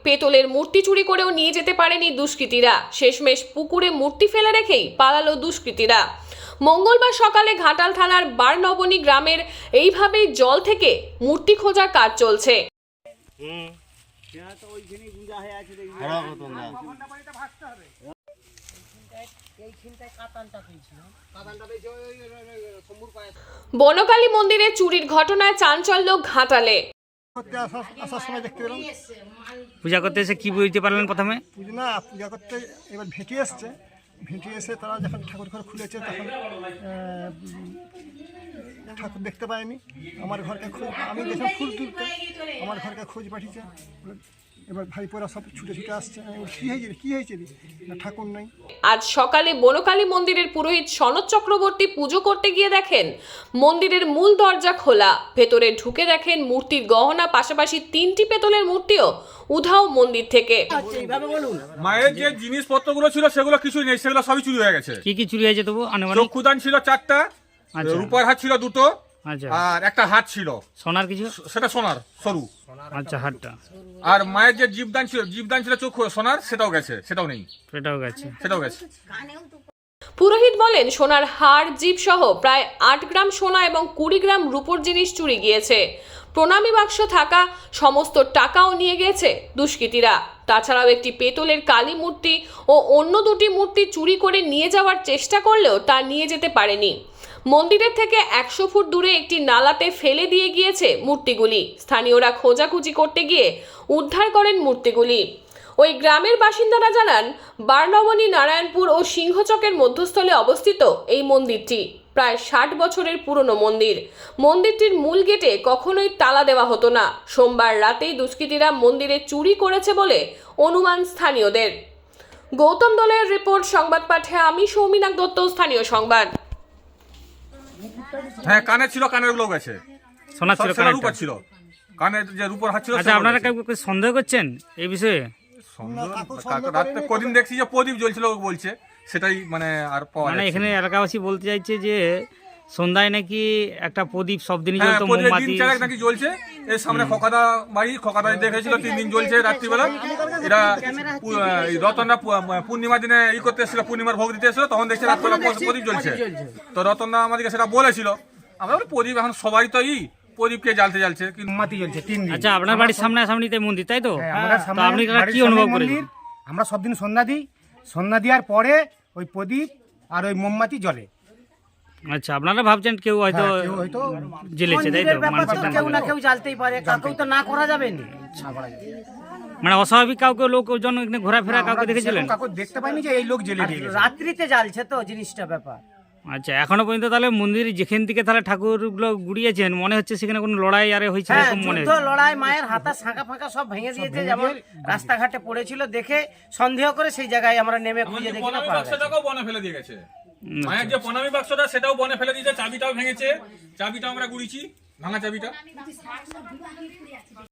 পেতলের মূর্তি চুরি করেও নিয়ে যেতে পারেনি দুষ্কৃতীরা। শেষমেশ পুকুরে মূর্তি ফেলে রেখেই পালালো দুষ্কৃতীরা। মঙ্গলবার সকালে ঘাটাল থানার বারনবনী গ্রামের এইভাবেই জল থেকে মূর্তি খোঁজার কাজ চলছে। বনকালী মন্দিরে চুরির ঘটনায় চাঞ্চল্য ঘাটালে। পূজা করতে এসে কি বুঝতে পারলেন প্রথমে? পূজা করতে এবার ভেটি এসছে, ভেটি এসে তারা যখন ঠাকুর ঘর খুলেছে তখন ঠাকুর দেখতে পায়নি। আমার ঘরকে আমি যখন ফুল তুলতে আমার ঘরকে খোঁজ পাঠিয়েছে। এবার ভাইপোরা সব ছুটে ছুটে আসছে। কি হয়েছে ঠাকুর নাই। আজ সকালে বনকালী মন্দিরের পুরোহিত সনৎ চক্রবর্তী পুজো করতে গিয়ে দেখেন মন্দিরের মূল দরজা খোলা। ভেতরে ঢুকে দেখেন মূর্তির গহনা, পাশাপাশি 3টি পেতলের মূর্তিও উধাও মন্দির থেকে। মায়ের যে জিনিসপত্রগুলো ছিল সেগুলো কিছুই নেই, সেগুলো সবই চুরি হয়ে গেছে। কি কি চুরি হয়েছে তবু? চক্ষুদান ছিল 4টা, রূপার হাত ছিল 2টো, আর একটা হাত ছিল সোনার কিছু, সেটা সোনার সরু। আচ্ছা, হাতটা। আর মায়ের যে জীবদান ছিল চক্ষু সোনার, সেটাও গেছে, সেটাও নেই, সেটাও গেছে। পুরোহিত বলেন, সোনার হার, জিভ সহ প্রায় 8 গ্রাম সোনা এবং 20 গ্রাম রূপোর জিনিস চুরি গিয়েছে। প্রণামী বাক্স থাকা সমস্ত টাকাও নিয়ে গেছে দুষ্কৃতীরা। তাছাড়াও একটি পেতলের কালী মূর্তি ও অন্য 2টি মূর্তি চুরি করে নিয়ে যাওয়ার চেষ্টা করলেও তা নিয়ে যেতে পারেনি। মন্দিরের থেকে 100 ফুট দূরে একটি নালাতে ফেলে দিয়ে গিয়েছে মূর্তিগুলি। স্থানীয়রা খোঁজাখুঁজি করতে গিয়ে উদ্ধার করেন মূর্তিগুলি। ওই গ্রামের বাসিন্দারা জানান, বারনবনী, নারায়ণপুর ও সিংহচকের মধ্যস্থলে অবস্থিত এই মন্দিরটি প্রায় 60 বছরের পুরনো মন্দির। মন্দিরটির মূল গেটে কখনোই তালা দেওয়া হতো না। সোমবার রাতেই দুষ্কৃতীরা মন্দিরে চুরি করেছে বলে অনুমান স্থানীয়দের। গৌতম দলের রিপোর্ট, সংবাদ পাঠে আমি সৌমিনাক দত্ত, স্থানীয় সংবাদ। হ্যাঁ, কানে ছিল, কানের গুলো গেছে। সোনা ছিল, রূপা ছিল, কানের যে রূপর হাত ছিল। আচ্ছা, আপনারা কাউকে সন্দেহ করছেন এই বিষয়ে? রাতে কদিন দেখছি যে প্রদীপ জ্বলছিল বলছে, সেটাই মানে আর পাওয়া যাচ্ছে। এখানে এলাকাবাসী বলতে চাইছে যে সন্ধ্যায় নাকি একটা প্রদীপ সব দিনই জ্বলতো, মোমবাতি নাকি জ্বলছে। এর সামনে খোকাদা বাড়ি, খোকাদা দেখেছিল 3 দিন জ্বলছে রাত্রিবেলা। এরা রতনরা পূর্ণিমা দিনে করতে এসেছিল, পূর্ণিমার ভোগ দিতে এসেছিল, তখন দেখছে রাত্রিবেলা প্রদীপ জ্বলছে। তো রতনরা আমাদেরকে সেটা বলেছিল। আমরা প্রদীপ এখন সবাই তো প্রদীপকে জ্বালতে মোমবাতি জ্বলছে 3 দিন। আচ্ছা, আপনার বাড়ির সামনাসামনি মন্দির, তাই তো? আপনি কি অনুভব করেন? আমরা সব দিন সন্ধ্যা দিই, সন্ধ্যা দেওয়ার পরে ওই প্রদীপ আর ওই মোমবাতি জ্বলে। আচ্ছা, আপনারা ভাবছেন কেউ হয়তো জ্বেলেছে, তাই তো? কেউ না কেউ জ্বালতেই পারে, কাউকে তো না করা যাবে না। মানে অস্বাভাবিক কাউকে লোকজন ঘোরাফেরা কাউকে দেখেছিলেন? কাউকে দেখতে পাইনি যে এই লোক জ্বেলে দিয়ে গেছে। রাত্রিতে জ্বালছে তো জিনিসটা ব্যাপার। আচ্ছা, এখনো পর্যন্ত তাহলে মন্দির যেখান থেকে তাহলে ঠাকুরগুলো গুড়িয়েছেন, মনে হচ্ছে সেখানে কোনো লড়াই আরে হয়েছে এরকম মনে হচ্ছে। লড়াই, মায়ের হাতা শাঁখা ফাঁকা সব ভেঙে দিয়েছে, যেমন রাস্তাঘাটে পড়েছিল দেখে সন্দেহ করে সেই জায়গায় আমরা নেমে খুঁজে দেখি না, বাক্সটাও বনে ফেলে দিয়ে গেছে। মায়ের যে প্রণামী বাক্সটা সেটাও বনে ফেলে দিয়েছে, চাবিটাও ভেঙেছে। চাবিটা আমরা গুড়িয়েছি, ভাঙা চাবিটা।